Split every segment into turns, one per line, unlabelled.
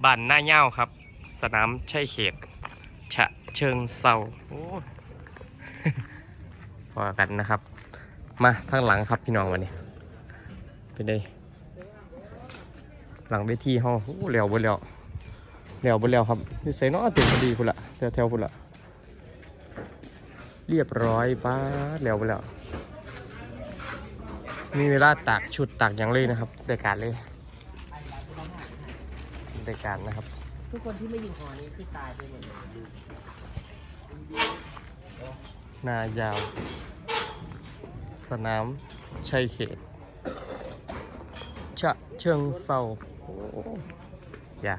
บ้านหน้าเย้าครับสนามชัยเขตฉะเชิงเซาโอ้ พอกันนะครับมาข้างหลังครับพี่น้องวันนี้ไปเลยหลังเวทีห้องเร็วบ่เร็วครับนี่ใส่น้อเต็มพอดีพุ่นละแถวพุ่นละเรียบร้อยป้าเร็วบ่แล้วมีเวลาตากชุดตากอย่างเลยนะครับได้การเลยได้การนะครับ
ทุกคนที่ไม่อยู่หอนี้คือตายไปหมดเลย
นายาวสนามชัยเขตฉะเชิงเซาโอ้ยา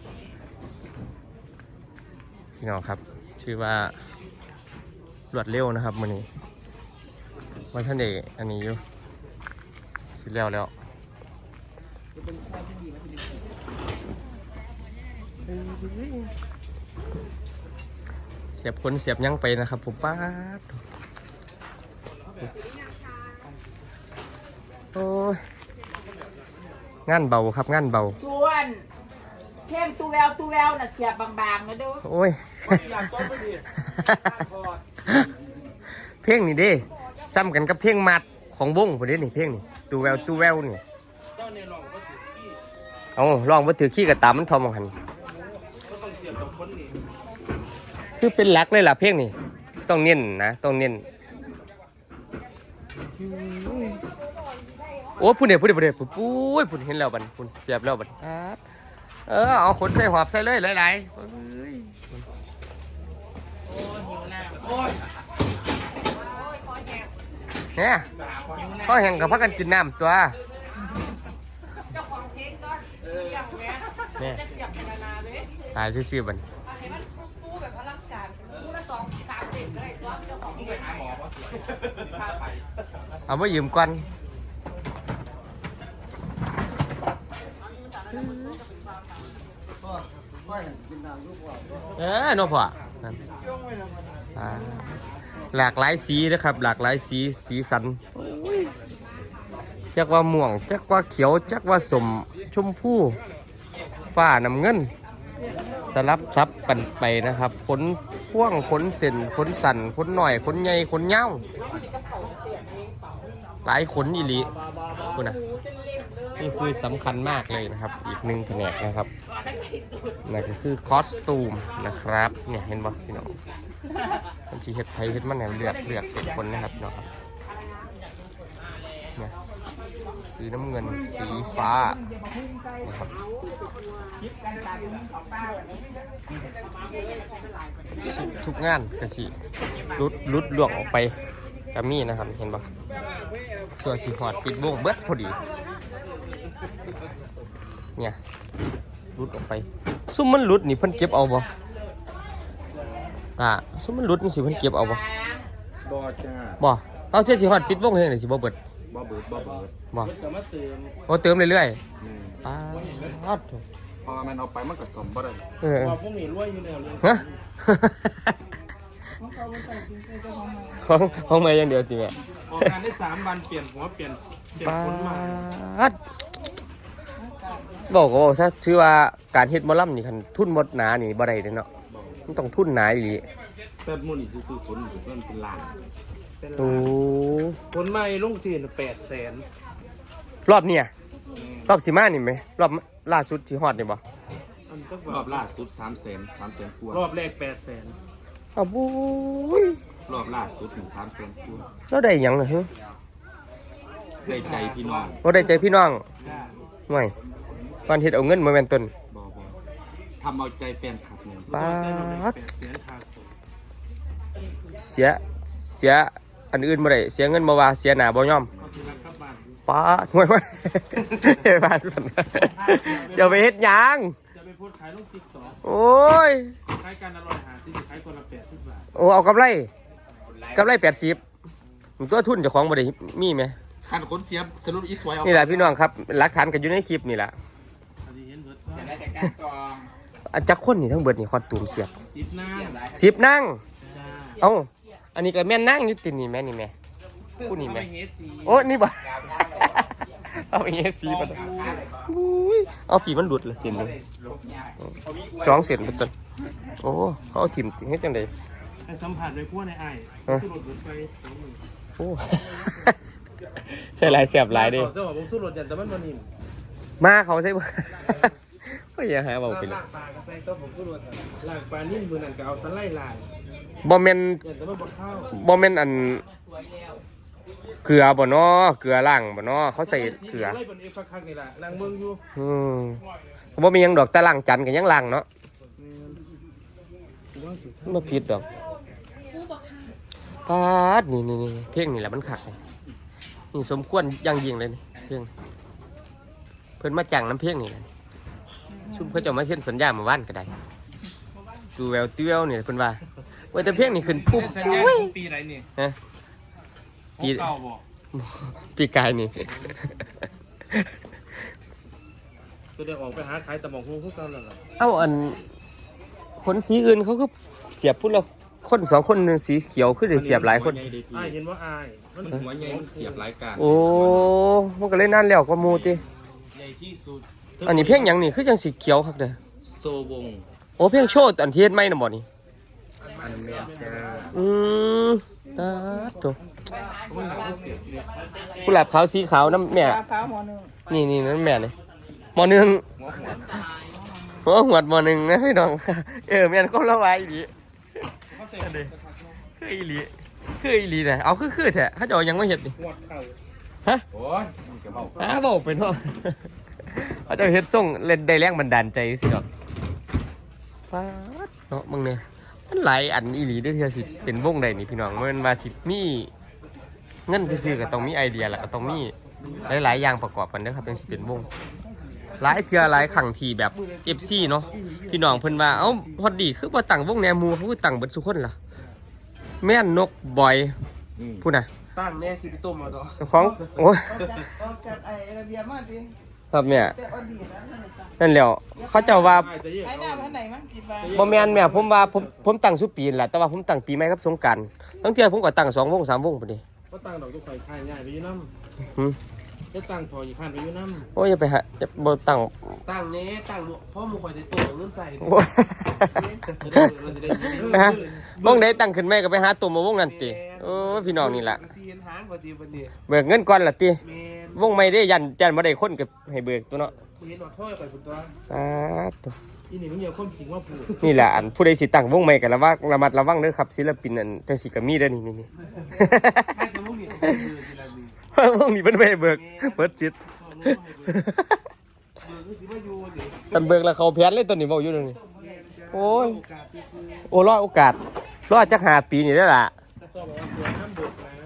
พี่น้องครับชื่อว่ารวดเร็วนะครับมื้อนี้วันท่านเอกอันนี้อยู่สิแล้วเสียบขนเสียบยังไปนะครับผมป้าดโอ้ยงานเบาครับงานเบา
ส่วนเพ่งตูแววน่ะเสียบบางๆนะดู
โอ้ยเพลงนี่เด้ซ้ำกันกับเพลงมัดของวงผมเด้นี่เพลงนี่ตูแววนี่เอาลองมาถือขี้กับตามันทอมหันคือเป็นหลักเลยล่ะเพลงนี่ต้องเน้นนะต้องเน้นโอ้พูดเดี๋ยวพูดเห็นแล้วบันพูดเจ็บแล้วบันเอาขนใส่หอบใส่เลยหลายเนี่ยพ่อแห่งกับพักกันกินน้ำตัวเนี่ยตายที่ซื้อบันเอาไว้ยืมก่อนน้องพ่อหลากหลายสีนะครับหลากหลายสีสันจักว่าม่วงจักว่าเขียวจักว่าสมชมพูฟ้าน้ำเงินสลับซับกันไปนะครับขนพ่วงขนเส้นขนสันขนหน่อยขนใหญ่ขนเงาหลายขนอีหลีคุณนะนี่คือสำคัญมากเลยนะครับอีกหนึ่งแผนกนะครับนั่นก็คือคอสตูมนะครับเนี่ยเห็นป่ะพี่น้องมันสีเห็ดไทยเห็ดมันเนี่ยเลือกเสร็จคนนะครับเนาะครับเนี่ยสีน้ำเงินสีฟ้านะครับทุกงานกระสีรุดหลวงออกไปกามี่นะครับเห็นป่ะตัวสีหอดปิดวงเบิดพอดีเนี่ยรุดออกไปซุ่มมันรุดนี่เพิ่นเก็บเอาบ่ซุ่มมันรุดนี่สิเพิ่นเก็บเอาบ่
จ้า
บ่เอาเชื่อสิฮอดปิดวงเฮงนี่สิบ่เบิดบ่เติมเรื่อยๆป๊าด
พอมันเอาไปมันก็สมบ่ได้
พวกนี้รวยอยู่แล้วฮะของมาอย่างเดียวติแม่
ออกงานได้3 วันเปลี่ยนหัวเปลี่ยนคนใหม่
บอกก็บอกซะชื่อว่าการเฮ็ดหมอลำนี่คันทุนหมดหนานี่บ่ได้เด้เนาะมันต้องทุนหนาอีหลี
แต่มื้อนี้ซื้อคนเพิ่นเป็นล้าน
โอ้
คนใหม่ลงที่800,000
รอบเนี่ยรอบสิมานี่มั้ยรอบล่าสุดที่ฮอดนี่บ่
รอบล่าสุด300,000กว่ารอบแรก800,000
อ้าวบุ้ย
รอบล่าสุดถึง300,000กว่า
แล้วได้หยังล่ะฮะ
ได้ใจพี่น้อง
บ่ได้ใจพี่น้องไม่ตอนเฮ็ดเอาเงินมาแม่นต้น
บ่ทำเอาใจแฟนคลับนี่
ป๊าดเสียอันอื่นบ่ได้เสียเงินบ่ว่าเสียหน้าบ่ยอมป๊าดห่วยบ้านสั่นจะไปเฮ็ดหยัง
จะไปโพสต์ขายลง TikTok
โอ้ย
ขายกันอร่อยหาสิขายคนละ80 บาท
โอ้เอากำไร80มันตัวทุนเจ้าของบ่ได้มีมั้ย
คันคนเสียสรุปอีสวยเอา
นี่แหละพี่น้องครับหลักฐานก็อยู่ในคลิปนี่แหละอันจักคนนี่ทั้งเบิดนี่คอดตูมเสียบ10นั่งเอ้าอันนี้ก็แม่นนั่งอยู่ตินี่แม่นี่แม่ผู้นี่แม่โอ้นี่บ่เอาไปเฮ็ดสีบ่อุ้ยเอาปีมันหลุดละเส้นหนึงสองเส้นเป็นต้นโอ้เขาเอาถิ่มทิ้งให้จังได๋
ให้สัมผัสเลยพวกในไอ้สู้รถไป
โอ้ ใช่หลายแสบหลายเด้
เสื้อผมสู้รถยันแต่มันมันนิ่ม
มาเขาใช่บ่ ก็อย่าหาเบาไปเลย
ล่างปลาก็ใส่ต้มผมสู้รถล่างปลานิ่มมือนั่นก็เอาสไลด์ล่าง
บ่แม่น
ยันแต่มันบดข้าว
บ่แม่นอันเกลือบ่เนาะเกลือล้างบ่เนาะเขาใส่เกลือ
ไล่บนเอฟคักนี่แหละล่างเมืองอยู่
บ่มีหยังดอกแต่ล้างจันก็ยังล้างเนาะบ่ผิดดอกปาดนี่เพลงนี่แหละมันคักนี่สมควรอย่างยิ่งเลยนี่เพลงเพิ่นมาจ้างน้ำเพลงนี่แหละซุมเขาเจ้ามาเซ็นสัญญาเมื่อวานก็ได้ตูแววติวนี่เพิ่นว่าว่าแต่เพลงนี่ขึ้นปุ๊บ
อุ้ยปีไหนนี่
ฮะ
ปีเก่าบ่
ปีกายนี่
ตัวเดียวออกไปหาขายตะมองหูคู่กันแล้วล่ะ
เอ้าอันคนสีอื่นเขาก็เสียบพุ่นละคนสองคนหนึงสีเขียวคือจะเสียบหลายคน
อ้ายเห็นว่าอ้ายมันหัวใหญ่มันเสียบหลายการ
โอ้มันก็เลยนั่นแล้วก็มูติ
ใหญ่ที่สุด
อันนี้เพลงหยังนี่คือจังสีเขียวคักเด้อ
โซวง
โอ้เพลงโชว์อันเทียนไม่น่ะบ่นี่
อันเมียจ้า
ตาโตกุหลาบขาวสีขาวน้ำแม่
พร้าวหมอหนึ่ง
นี่นั่นแม่เลยมอหนึ่งหัวหวดมอหนึ่งนะพี่น้องแม่นก็ละวายอีหลีคืออีหลีคืออีหลีนะเอาคือแท้เขาจะเอายังไม่เห็ดนี่
หวดเข่า
ฮะ
โอ้ยกระเป๋า
บอกไปเนาะเขาจะเฮ็ดส่งเล่นได้แรงบันดาลใจสิดอกฟ้าดเนาะมึงเนี่ยมันหลายอันอีหลีได้อเทียสิเป็นวงใดนี่พี่น้องมันว่าสิมีเงินซื้อๆก็ต้องมีไอเดียแหละก็ต้องมีหลายๆอย่างประกอบกันเด้อครับจังสิเป็นวงหลายเทื่อหลายครั้งที่แบบ FC เนาะพี่น้องเพิ่นว่าเอ้าพอดีคือบ่ตั้งวงแนวหมู่เขาคือตั้งเบิดทุกคนล่ะแม่นนกบอยพูดน่ะ
ตั้งแน่สิพี่ต้มมาดอก
ของโอ้ย
ออกจากไอ้ระเบียบมาดิ
ครับแม่
แต่อดีตแล้วนั่นแหละจ้ะ
นั่นแหล้วเขาเจะว่า
ไอ้หน้าพันไหนมั้งคิดว่า
บ่แม่นแม่ผมว่าผมตั้งสุปีนแหละแต่ว่าผมตั้งปีใหม่กับสงกรานต์ทั้งเที่ยผมก็ตั้ง2วง3วงพุ่นดิ
ก็ตั้งดอกทุกไข่ค่ายง่ายไปอยู่น้
หึ
ำจะตั้งถอยอีกขั้นไปอยู่น้
โอ้ยอย่าไปหาอย่าบ่ตั้ง
ตั้งเนี้ตั้งเพราะมึงคอยจะตัวเงินใส่
โอ้ย
จะได้เราจะได้
นะฮะวงใดตั้งขึ้นแม่ก็ไปหาตัวมาวงนั้นติโอ้ยพี่น้องนี่ล่ะ
ซีนหางกว่าดีวันนี้
เบิกเงินก่อนล่ะติ
เมน
วงใหม่ได้ยันบ่ได้คนก็ให้เบิกตัวเนาะ
เห็นหนอดถ้อยไปคุณตัว
ตัว
ำอีนี่มันเยอะความจริงว่าพูด
นี่แหละอันผู้ใดสิตั้งวงใหม่ก็ระมัดระวังเด้อครับศิลปินอันจังสิก็มีเด้อนี่
ให้ตัวมึงนี่คือทีละนี้
วงนี้เพิ่นบ่ให้เบิกเปิดจิต
เบิกก็สิว่าอยู่นี่
กันเบิกแล้วเขาแผนเลยตัวนี้เว้าอยู่เดี๋ยวนี้โอ้ย
โอกาสที่คือ
โอ้รอโอกาสรอจัก5 ปีนี่เด้อล่ะ
ก็บอกว่าตัวน้ำบดนะ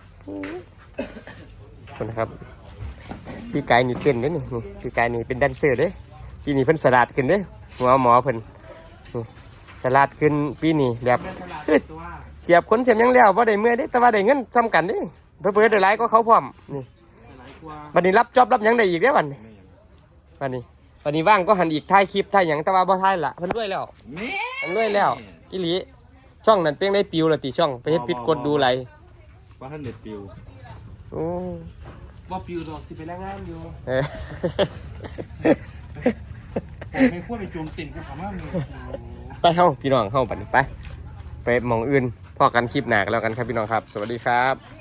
คนนะครับพี่กายนี่เต้นเด้อนี่พี่กายนี่เป็นแดนเซอร์เด้อปีนี้เพิ่นสลัดขึ้นเด้อหัวหมอเพิ่นนี่สลัดขึ้นปีนี้แบบคือ
ตัว
เสียบคนเสียบหยังแล้วบ่ได้เมื่อยเด้แต่ว่าได้เงินซ้ำกันเด้เพิ่นได้หลายกว่าเขาพร้อมนี่
หลายกว่า
บัดนี้รับจ็อบรับหยังได้อีกเด้อบัดนี้บัดนี้ว่างก็หันอีกถ่ายคลิปถ่ายหยังแต่ว่าบ่ถ่ายละเพิ่นรวยแล้วเพิ่นรวยแล้วอีหลีช่องนั้นเพียงได้ปิวแล้วติช่องไปเฮ็ดผิดกฎดูไร
ว่าท่านเด็ดปิว
โอ้
ว่าปิวดอกสิไปแรงงานอยู่
เออ
ไม่ควรไปโจมติ่งกูถามว่ามึง
ไปเฮาพี่น้องเฮาบัดนี้ไปหม่องอื่นพอกันคลิปหน้ากันแล้วกันครับพี่น้องครับ สวัสดีครับ